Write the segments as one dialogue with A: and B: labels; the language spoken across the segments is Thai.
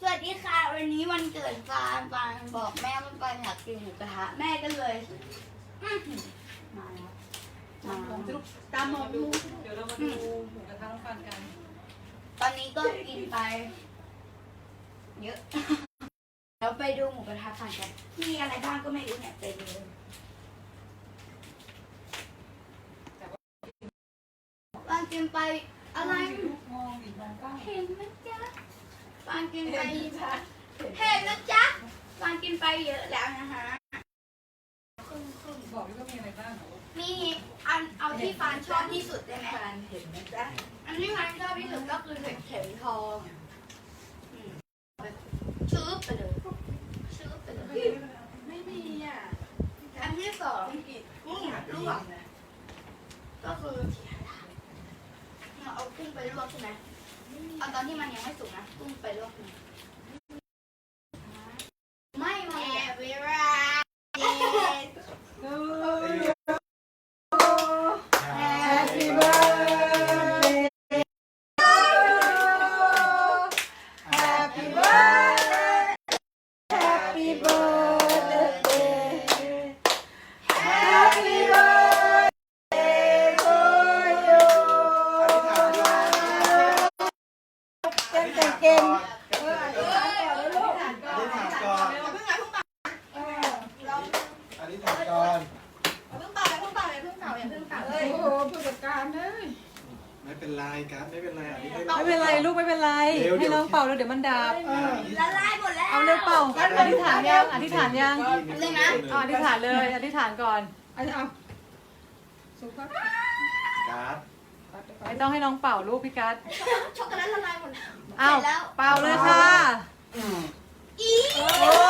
A: วัสดีค่ะวันนี้วันเกิดฟานบอกแม่ว่าฟานอยากกินหมูกระทะแม่ก็เลยมาแล้ว
B: ตามมาดูเดี๋ยวเรามาดูหมูกระทะน้องฟันกัน
A: ตอนนี้ก็กินไปเยอะแล้วไปดูหมูกระทะฟานกันมีอะไรบ้างก็ไม่รู้เนี่ยไปดูฟานกินไปอะไร
B: มองอีกมองกล้อง
A: เห็นไหมจ๊ะฟานกินไปเห็นนะจ๊ะฟานกินไปเยอะแล้วนะคะ
B: บอกด้วยว่ามีอะไรบ้าง
A: มีอันเอาที่ฟานชอบที่สุดได้ไหม
B: ฟันเห็นไหมจ๊ะ
A: อันที่ฟานชอบที่สุดก็คือเห็ดเข็มทองชื้อไปเลยชื้อไปเลย
B: ไม่มีอ่ะ
A: อันที่สองกุ้งลวกก็คือเราเอากุ้งไปลวกใช่ไหมเอาตอนที่มันยังไม่สุกนะกุ้งไปลวกไม่แม่เวลา
B: Happy birthday Happy birthday Happy birthday Happy birthday to you เก่งเก่งอธิษฐานก่อนเลยลูกอธิษฐานก่อน
C: อธิษฐานก่อน
B: เพิ่งเป่าอย่าเพิ่งเป่าโอ้โหผู้จัดการเลย
C: ไม่เป็นไรครับไม่เป็นไรอันนี้
D: ไม่เป็นไรลูกไม่เป็นไรให้น้องเป่าแล้วเดี๋ยวมันดับ
A: ละลายหมดแล้ว
D: เอาเร็วเป่าอธิษฐานยังอธิษฐานยัง
A: เลยนะ
D: อธิษฐานเลยอธิษฐานก่อน
B: เอาสุภาพ
C: การ์ด
D: ไม่ต้องให้น้องเป่าลูกพี่กัส
A: ช็อกโกแลตละลายหมดแล้ว
D: อ้าวเป่าเลยค่ะ
A: อี
D: โอ้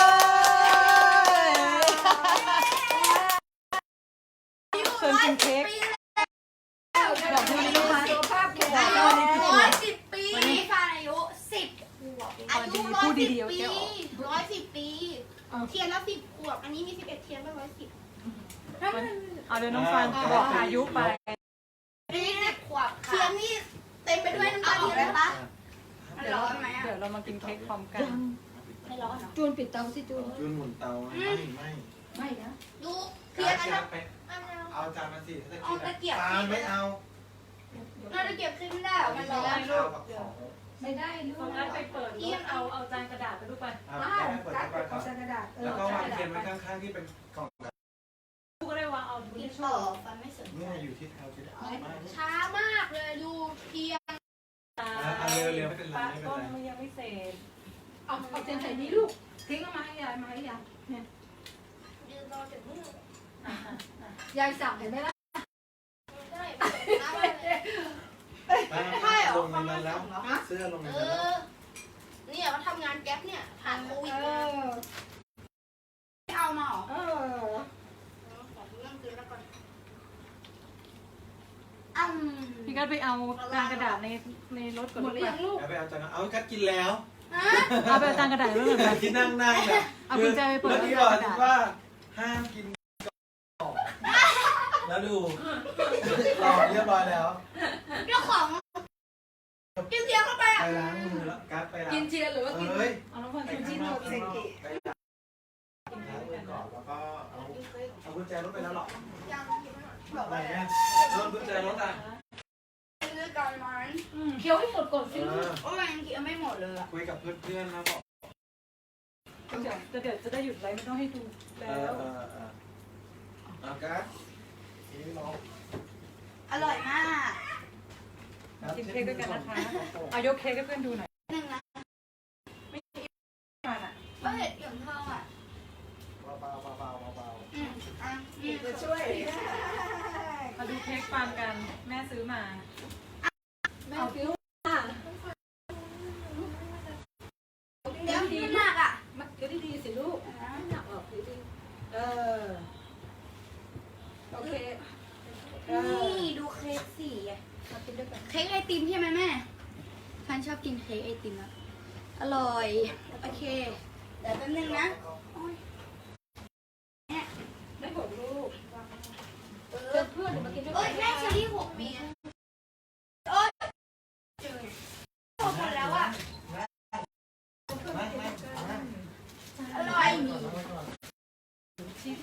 D: ยเชิญกินเค้กบอกให้ลูกค้า
B: สุขภาพแข็งแร
A: 110 ปีฟานอายุ10 ขวบอายุ
D: พูดดีๆ
A: 110 ปี 110 ปี
B: เทียนละ10 ขวบอันนี้มี11 เทียนก็110
D: เอาเดี๋ยวน้องฟังบอกอายุไป
A: นี่10 ขวบ
B: เทียนนี่เต็มไปด้วยน้ำตาล
A: ได้ปะ
D: เดี๋ยวเรามากินเค้กพร้อมกัน
A: ไม่ร้อนเหรอ
B: จูนปิดเตาสิจูน
C: จุนหมุนเตาไม่
B: นะ
A: ดูเที
C: เที
A: ย
C: ย
A: น
C: น
A: อันนั้น
C: ไปเอาจานมาสิถ้า
A: เอาตะเกียบ
C: จานไม่เอา
A: เราจะเก็บขึ้นไม่ได้มันร้อน
C: ข้าวกับของ
B: ไม่ได้ลูก
D: ตรงนั้นไปเปิดรถเอาจานกระดาษไปดูไป
C: เอาแม่เปิด
B: การ์ด
C: ไป
B: ข
C: ก่
B: อ
C: อง น
B: กระดาษ
C: แล้วก็วางเทียนไว้ข้างๆที่เป็นกล่อง
D: ลูกก็ได้วางเอาดู
A: กิน
D: ที่
A: ต่อฟันไม่สน
C: เนี่ยอยู่ที่เท้าที่ไม่
B: ช้ามากเลยดูเทียน
C: เอาเร็วๆไม่เป็นไร
D: ป้า
C: ไม่เป็น
D: ต้น
C: ไร
D: มันยังไม่เสร็จ
B: เอาเทียนใส่นี้ลูกทิ้งเอามาให้ยายเนี่ย
A: ยืนรอถึงมือย
B: ายสั่งเห็นไหมล่ะ
C: ลงในนั้นแล้วเสื้อลงใน
A: เอ
C: นั้นแล้ว
A: อเนี่ยมาทำงานแก๊ปเนี่ยผ่านโควิด
B: เอ
A: มา
B: อ
A: ไม่เอามาหรอ
B: เออ
A: ขอเรื่องคืนแล้วก่อน
D: พี่กัสไปเอาจานกระดาษในรถก่อน
B: หม
D: ลู
B: ด
D: ก
B: หรือ
D: ไป
B: ยังลูก
C: แล้วไปเอาจานเอากัดกินแล้ว
D: เอาไปเอาจานกระดาษไว้ก่อนไป
C: ที่นั่งแบบ
D: เอากุญแจไปเปิด
C: เมื่อกี้บอกว่าห้ามกินก่อนแล้วดูรอเรียบร้อยแล้ว
A: เจ้าของกินเทียมเข้าไป
C: ไปล้างมือแล้วกัดไปล้าง
B: กินเทียนหรือว่ากิน
C: เอ้ย
D: เอาน้องฟัน
C: ไป
D: กิน
C: ข้า
D: ที่
C: งน
D: โน
C: อก
D: เซ
C: ข้างนอกไปล้างมือก่อนแล้วก็เอากุญแจรถไปแล้วหรอ
A: ยัง
C: อะไรเนี่ยรถกุญแจรถอ่ะ
A: ซื้อกันมัน
B: เคี้ยวให้หมดก่อนสิ
A: โอ้ยยังกินไม่หมดเลยอะ
C: คุยกับเพื่อนๆนะบอก
D: เดี๋ยวจะได้หยุดไลฟ์ไม่ต้องให้ดูแล้ว
C: เอากัดนี่น้อง
A: อร่อยมาก
D: กินเค้กด้วยกันนะคะเอายกเค้กให้เพื่อนดูหน่อย
A: หนึ่งนะ
D: มาอ่ะ
A: ก็เห็ดเหลืองทองอ่ะ
C: เบาๆเบาๆเบา
A: นี่
B: จะช่วย
D: มาดูเค้กฟาร์มกันแม่ซื้อมา
B: แม่ฟิว
A: เดี๋ยวมันหนักอ่ะ
B: เดี๋ยวดีๆสิลูกหนักออกดีๆโอเค
A: นี่ดูเค้กสีอะ
B: มากินด้วยกัน
A: เค้กไอติมใช่ไหมแม่ฉันชอบกินเค้กไอติมอะอร่อยโอเคเดี๋ยวแป๊บนึงนะโอ้ย
B: ไม่หกลูกเพื่อนมากินด้วย
A: เอ้ย
B: กัน
A: แม่เชอรี่6 ปีโอ้ยหมดแล้วอ่ะ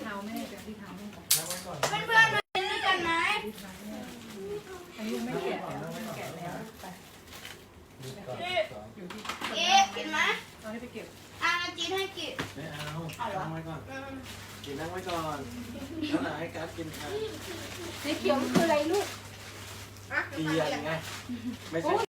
D: เท้าแม่กับที่เท้าแม่ก่อน
C: นั่งไว้ก่อน
A: เพื่อนๆมากินด้วยกันไหม
D: ที่เท้าแม่อันนี้ไม่แกะแล้วไม่แกะแล้วไป
C: ดูก่อน
D: อยู่ที่
A: เอ๊ะกินไหม
D: เอาให้ไปเก็บ
A: จีนให้กิน
C: ไม่เอานั่งไว้ก่อนกินนั่งไว้ก่อนแล้วไหนให้การ์ดกินค่ะ
B: สีเขียวคืออะไรลูก
C: เทียนไงไม่ใช่